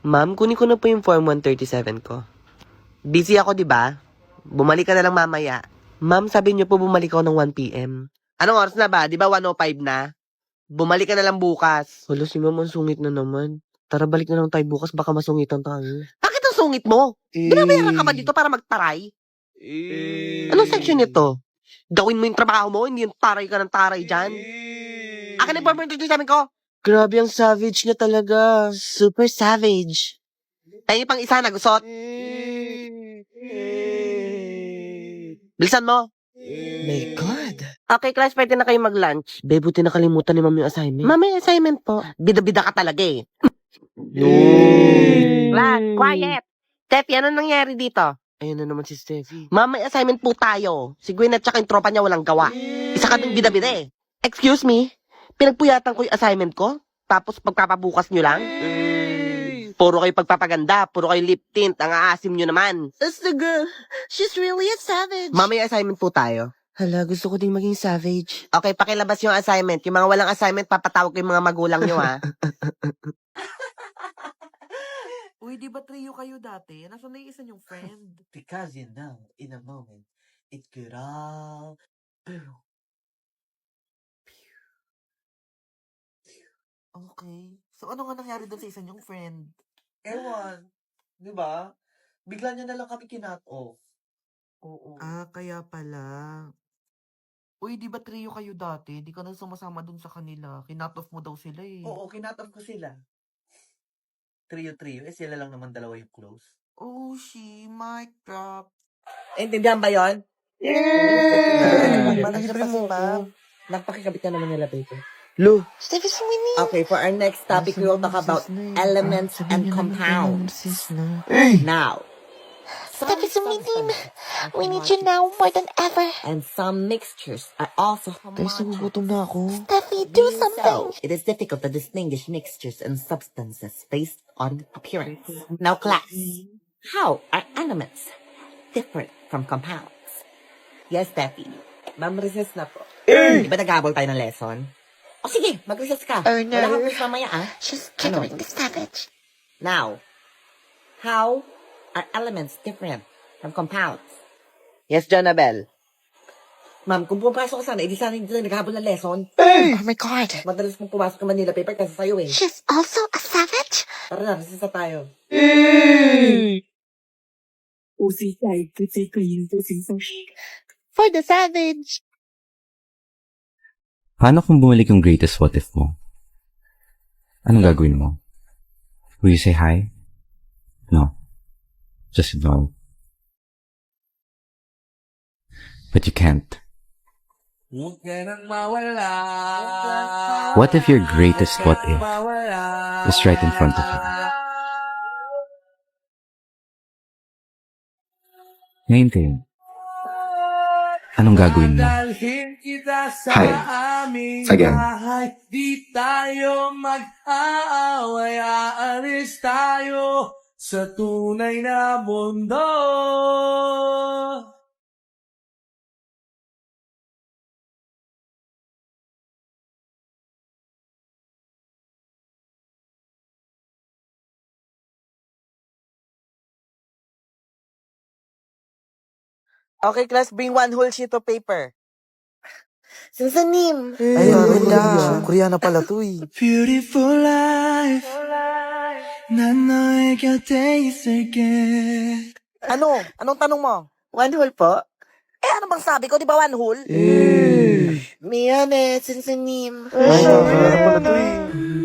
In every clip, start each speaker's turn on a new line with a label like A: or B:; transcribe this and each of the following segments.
A: Ma'am, kunin ko na po yung Form 137 ko. Busy ako, di ba? Bumalik ka na lang mamaya. Ma'am, sabi niyo po bumalik ako ng 1 p.m. Anong oras na ba? Di ba 1:05 na? Bumalik ka na lang bukas. Wala si ma'am, ang sungit na naman. Tara, balik na lang tayo bukas, baka masungitan tayo. Bakit ang sungit mo? Binabayaran ka ba dito para magtaray? Anong section nito? Gawin mo yung trabaho mo, hindi yung taray ka ng taray dyan. Akin ang Form 137 ko. Grabe ang savage niya talaga. Super savage. Tayo pang isa na gusot. Bilisan mo. My God. Okay, class, pwede na kayo mag-lunch. Be, buti nakalimutan ni ma'am yung assignment. Ma'am, may assignment po. Bida-bida ka talaga eh. Class, quiet. Steffi, ano nangyari dito? Ayun na naman si Steffi. Ma'am, may assignment po tayo. Si Gwen at saka yung tropa niya walang gawa. Isa ka ding bida-bida eh. Excuse me? Pinagpuyatan ko yung assignment ko? Tapos pagpapabukas nyo lang? Puro kayo pagpapaganda, puro kayo lip tint, ang aasim nyo naman. That's the girl. She's really a savage. Ma'am, may assignment po tayo. Hala, gusto ko ding maging savage. Okay, pakilabas yung assignment. Yung mga walang assignment, papatawag ko yung mga magulang nyo, ha?
B: Uy, di ba trio kayo dati? Nasaan na yung isa niyong friend?
C: Because you know, in a moment, it could all...
B: Okay. So, ano nga nangyari doon sa isa niyong friend?
C: Ewan, di ba? Bigla niya na lang kami kinat off.
B: Oo. Ah, kaya pala. Uy, di ba trio kayo dati? Di ka na sumasama doon sa kanila. Kinat off mo daw sila eh.
C: Oo, kinat off ko sila. Trio-trio, sila lang naman dalawa yung close.
B: Oh, she mic drop.
A: Intindihan ba yun?
C: Manager pa si ma'am.
A: Nagpakikabit ka naman nila, baby.
C: Lu.
A: Steffi, sumini.
D: Okay, for our next topic, we will talk about elements and compounds. Now,
E: Steffi, sumini. We need you now more than ever.
D: and some mixtures are also homogeneous.
C: na ako.
E: Steffi, do something.
D: So, it is difficult to distinguish mixtures and substances based on appearance. Now, class, how are elements different from compounds? Yes, Steffi.
A: Ma'am, recess na po.
D: Di ba nag-aabol tayo ng lesson? O sige, mag-recess ka.
E: Oh, no.
D: Wala kang quiz mamaya, ah.
E: She's triggering the savage.
D: Now, how are elements different from compounds?
A: Yes, Jonabel.
D: Ma'am, kung pumapasok ka sana, edi sana hindi na naghahabol ng lesson.
E: Oh my God.
D: Madalas mong pumasok ng Manila paper kasi sa'yo eh.
E: She's also a savage?
D: Tara na, resisa tayo.
E: For the savage.
F: Paano kung bumalik yung greatest what if mo? Anong gagawin mo? Will you say hi? No. Just no. But you can't. What if your greatest what if is right in front of you? Ngayon kayo. Anong gagawin mo?
G: Hi. Again.
B: Di tayo mag-aaway, aalis tayo sa tunay na mundo.
A: Okay, class, bring one whole sheet of paper.
E: Susanim.
C: Ay, wala. Koreana pala to eh.
B: Beautiful life, 난 너의 곁에 있을게.
A: Ano? Anong tanong mo?
E: One hole po?
A: Ano bang sabi ko? Di ba one whole?
E: Miyan eh, Susanim.
C: Ay, Koreana pala to eh.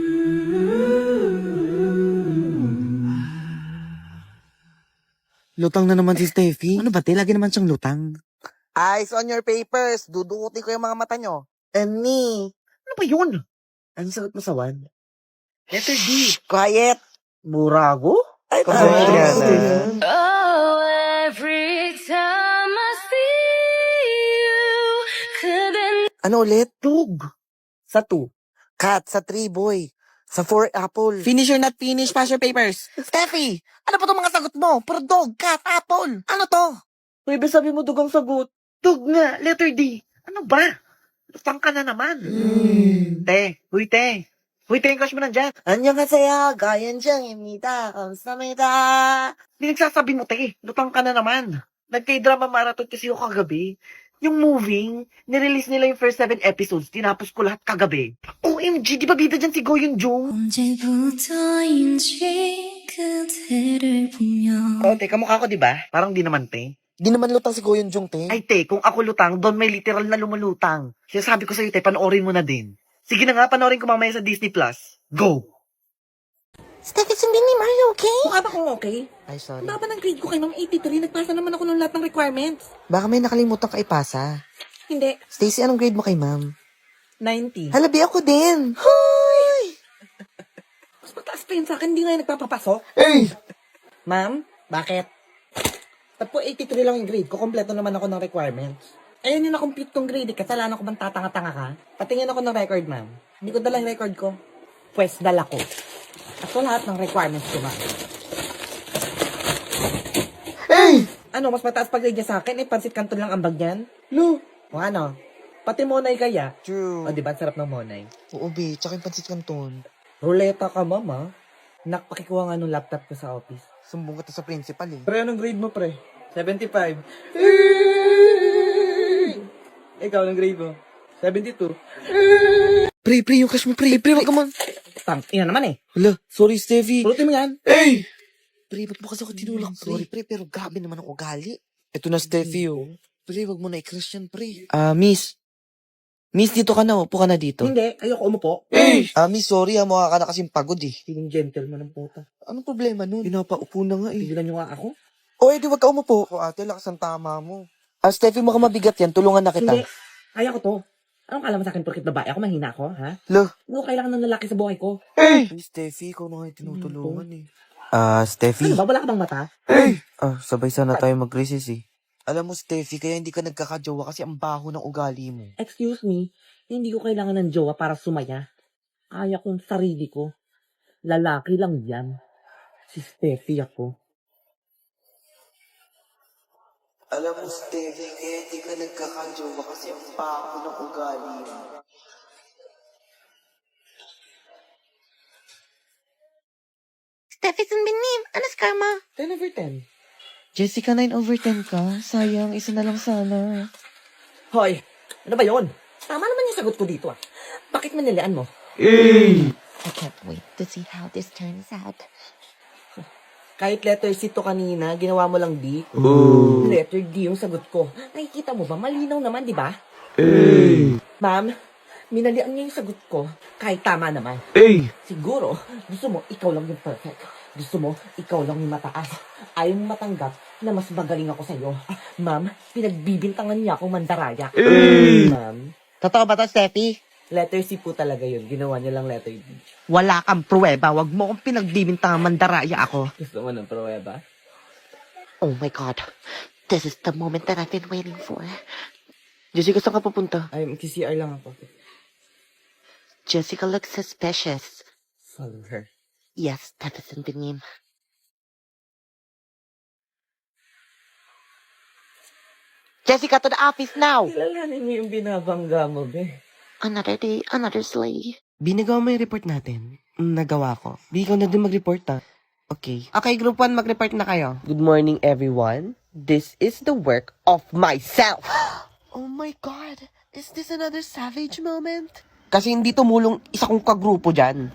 C: Lutang na naman si Steffi. Ano ba, te? Lagi naman siyang lutang.
A: Eyes on your papers. Dudukutin ko yung mga mata nyo.
E: Ani.
A: Ano ba yun?
C: Ano sagot mo sa one?
A: Letter D. Quiet. Burago? Ay,
C: Koreana.
H: Oh, every time I see you, couldn't.
A: Ano ulit? Dog. Sa 2. Cat. Sa 3, boy. Sa 4, apple.
C: Finish or not finish, pass your papers.
A: Steffi! Ano pa itong mga sagot mo? Puro dog, cat, apple. Ano to? Pwede sabi mo dugang sagot. Dog nga, letter D. Ano ba? Lutang ka na naman. Te, huy te.
B: Uy, tingin crush mo nandyan.
A: 안녕하세요. 가연정입니다. 감사합니다.
B: Hindi nagsasabi mo, te. Lutang ka na naman. Nag-K-drama marathon kasi ako kagabi. Yung moving, nirelease nila yung first 7 episodes. Tinapos ko lahat kagabi. OMG, di ba bida dyan si Go Yoon Jung?
H: 언제부터인지 그대를 보며
B: Oh, te, kamukha ko, di ba? Parang di naman, te.
A: Di naman lutang si Goyon Jung, te.
B: Ay, te, kung ako lutang, doon may literal na lumulutang. Sinasabi ko sa'yo, te, panoorin mo na din. Sige na nga, panoorin ko mamaya sa Disney+. Plus. Go!
E: Steffi Sumbinim, are you okay?
I: Mukha ba kung okay?
A: Ay, sorry.
I: Ang baba ng grade ko kay Ma'am 83, nagpasa naman ako ng lahat ng requirements.
A: Baka may nakalimutan ka ipasa.
I: Hindi,
A: Stacy, anong grade mo kay ma'am?
I: 90.
A: Halabi ako din.
I: Mas mataas pa yun sa akin, hindi nga yung nagpapapasok.
A: Hey!
I: Ma'am, bakit? Ba't po 83 lang yung grade ko? Kompleto naman ako ng requirements. Ayun yung na-compute kong grade, kasalanan ko bang tatanga-tanga ka? Patingin ako ng record, ma'am. Hindi ko dala yung record ko. Pwes, dala ko. At so, lahat ng requirements ko, ma'am.
A: Hey!
I: Ano, mas mataas pa grade niya sa akin, pansit kanton lang ang bag niyan?
A: Lo!
I: O ano? Pati monay kaya?
A: True.
I: O, di ba? Ang sarap ng monay.
A: Oo, be. Tsaka yung pansit canton.
I: Ruleta ka, mama. Nakpakikuha nga nung laptop ko sa office.
A: Sumbong ka to sa principal, eh.
I: Pre, anong grade mo, pre? 75. Ikaw, anong grade mo? 72.
A: Pre, yung crush mo, pre, wag ka man.
I: Tang, yan naman eh.
A: Hala, sorry, Steffi.
I: Pulutin mo yan.
A: Hey! Pre, ba't mo kasi ako tinulak, pre? Sorry, pre, pero grabe naman ang ugali. Ito na, Steffi, oh. Pre, wag mo na i-crush yan, pre. Miss. Miss, dito ka na, upo ka na dito.
I: Hindi, ayoko umupo.
A: Hey! Miss, sorry, mukha ka na kasing pagod, eh.
I: Feeling gentleman ng puta.
A: Anong problema nun? Pinapaupo na nga, eh.
I: Tigilan nyo nga ako.
A: O, edi wag ka umupo. O, ate, lakas ang tama mo. Steffi, mukhang mabigat yan. Tulungan na kita.
I: Hindi, kaya ko to. Anong kala mo sa akin porkit babae ako, mahina ako, ha?
A: Lo.
I: Ano kailangan ng lalaki sa buhay ko?
A: Hey, Steffi, ikaw na nga yung tinutulungan, eh. Steffi.
I: Ano ba, wala ka bang mata?
A: Sabay sana tayo mag-recess, eh. Alam mo, Steffi, kaya hindi ka nagkakajowa kasi ang baho ng ugali mo.
I: Excuse me, hindi ko kailangan ng jowa para sumaya. Kaya kong sarili ko. Lalaki lang yan. Si Steffi ako.
A: Alam mo, Steffi, kaya hindi ka nagkakajowa kasi ang baho ng ugali mo.
E: Steffi Sumbinim, ano scar mo?
I: 10 over 10.
A: Jessica, 9 over 10 ka? Sayang, isa na lang sana.
I: Hoy, ano ba yon? Tama naman yung sagot ko dito ah. Bakit manilian mo?
E: I can't wait to see how this turns out.
I: Kahit letter C to kanina, ginawa mo lang D. Letter D yung sagot ko. Nakikita mo ba? Malinaw naman, di ba? Ma'am, minalian niya yung sagot ko. Kahit tama naman. Siguro, gusto mo, ikaw lang yung perfect. Gusto mo, ikaw lang yung mataas. Ayaw mo matanggap na mas magaling ako sa'yo. Ma'am, pinagbibintangan niya akong mandaraya. Ma'am,
A: Totoo ba to, Steffi?
I: letter C po talaga yun. Ginawa niya lang letter D.
A: Wala kang pruweba. Wag mo akong pinagbibintang mandaraya ako.
I: Gusto mo ng pruweba?
E: Oh my God. This is the moment that I've been waiting for.
A: Jessica, saan ka pupunta?
I: Ay, CR lang ako.
E: Jessica looks suspicious.
I: Follow her.
E: Yes, Steffi Sumbinim.
A: Jessica, to the office now!
I: Kilalanin mo yung binabangga mo, be.
E: Another day, another sleigh.
A: Binagawa mo yung report natin. Nagawa ko. Di ikaw na din mag-report, ha? Okay. Okay, group 1, mag-report na kayo. Good morning, everyone. This is the work of myself. Oh my God. Is this another savage moment? Kasi hindi tumulong isa kong kagrupo dyan.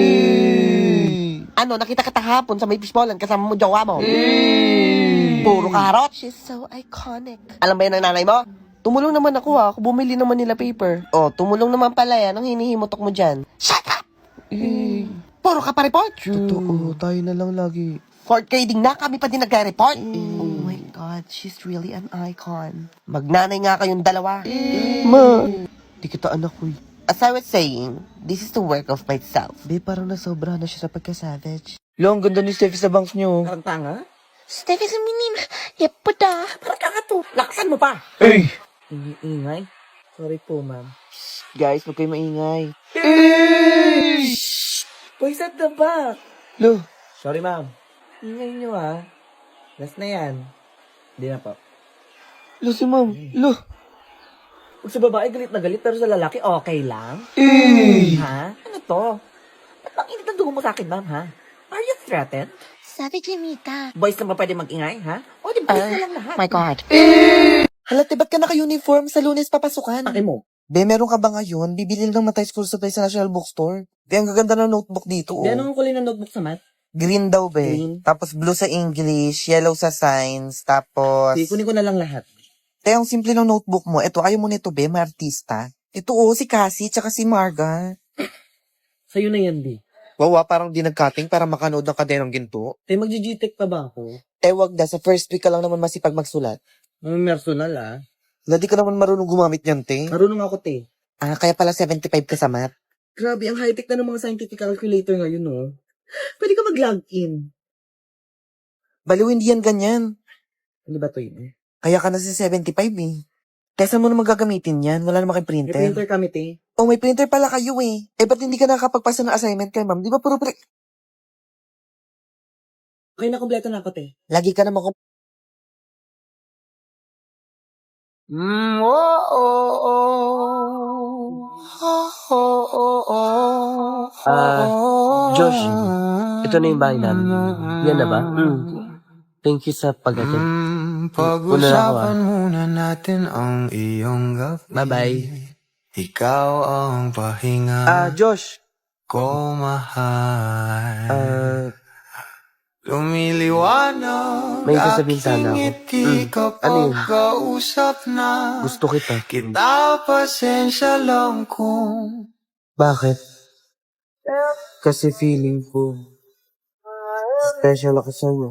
A: Ano, nakita kita hapon sa may fishballan kasama mo jowa mo. Puro karot.
E: She's so iconic.
A: Alam ba yan ng nanay mo? Tumulong naman ako, ha. Ako bumili naman nila paper. Oh, tumulong naman pala yan. Ang hinihimutok mo dyan.
E: Shut up!
A: Puro ka pa report. Totoo, tayo na lang lagi. Fourth grading na, kami pa din nagre-report.
E: Oh my God, she's really an icon.
A: Magnanay nga kayong dalawa. Ma, di kita anak ko. As I was saying, this is the work of myself. Be, parang nasobra na siya sa pagka-savage. Lo, ang ganda ni Steffi sa bangs niyo.
I: Parang tanga?
E: Steffi Sumbinim, yepo da.
I: Parang tanga to. Laksan mo pa.
A: Hey!
I: Ingay. Sorry po, ma'am.
A: Guys, huwag kayo maingay.
I: Boys at the back.
A: Lo,
I: Sorry, ma'am. Ingay nyo, ha. Last na yan. Hindi na po.
A: lo si ma'am. Lo.
I: Pag sa babae, galit na galit, pero sa lalaki, okay lang? Ha? Ano to? tungo mo sa akin, ma'am, ha? Are you threatened?
E: Sabi Jimita.
I: Boys lang ba pwede mag-ingay, ha? O, di boys na lang lahat.
E: My God.
B: Hala, ba't ka naka-uniform? Sa Lunes papasukan.
I: Pake mo.
B: Be, meron ka ba ngayon? Bibili lang naman tayo school supply sa National Bookstore. Be, ang gaganda ng notebook dito, oh.
I: Di, anong kulay ng notebook sa math?
B: Green daw, be.
I: Green.
B: Tapos blue sa English, yellow sa science, tapos...
I: Sige, kunin ko na lang lahat.
B: Te, ang simple ng notebook mo. Ito, ayaw mo nito, be, may artista. Ito, oh, si Cassie, tsaka si Marga.
I: Sa'yo na yan, di.
B: Wawa, parang di nag-cutting para makanood ng kadenong ginto.
I: Te, mag-GTech pa ba ako?
B: Wag na, sa first week ka lang naman masipag magsulat.
I: Personal, ah.
B: Hindi ka naman marunong gumamit niyan, te.
I: Marunong ako, te.
B: Ah, kaya pala 75 ka sa math.
I: Grabe, ang high-tech na ng mga scientific calculator ngayon, no? Pwede ka mag-log in.
B: Baliw, hindi yan ganyan.
I: Hindi ba to yun?
B: Kaya ka na sa 75 eh. Kesa mo naman gagamitin yan, wala naman kayong
I: May
B: printer.
I: printer kami, te.
B: Oh, may printer pala kayo eh. Ba't hindi ka nakakapagpasa ng assignment kay ma'am? Di ba puro
I: Okay na, kompleto na ako, te.
B: Lagi ka naman
A: Josh, ito na yung bahay namin. Yan na ba? Thank you sa pag-attend. Una na ako, ah.
G: muna natin ang iyong gabi.
A: Bye-bye.
G: Ikaw ang pahinga
A: Josh.
G: ko, mahal. Lumiliwanag
A: May sasabihin sana ako.
G: ngiti
A: Ano yun?
G: kapag kausap na
A: Gusto kita.
G: kita, pasensya lang kung
A: Bakit? Kasi feeling ko special ako sa'yo.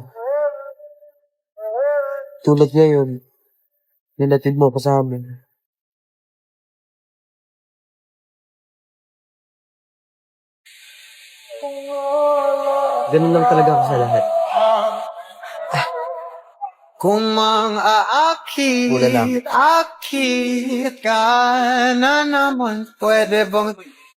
A: Tulad ngayon, nilatid mo ako sa amin. Ganun lang talaga ako sa lahat.
G: kung mang
A: Wala lang.
G: aakit ka na naman, pwede bang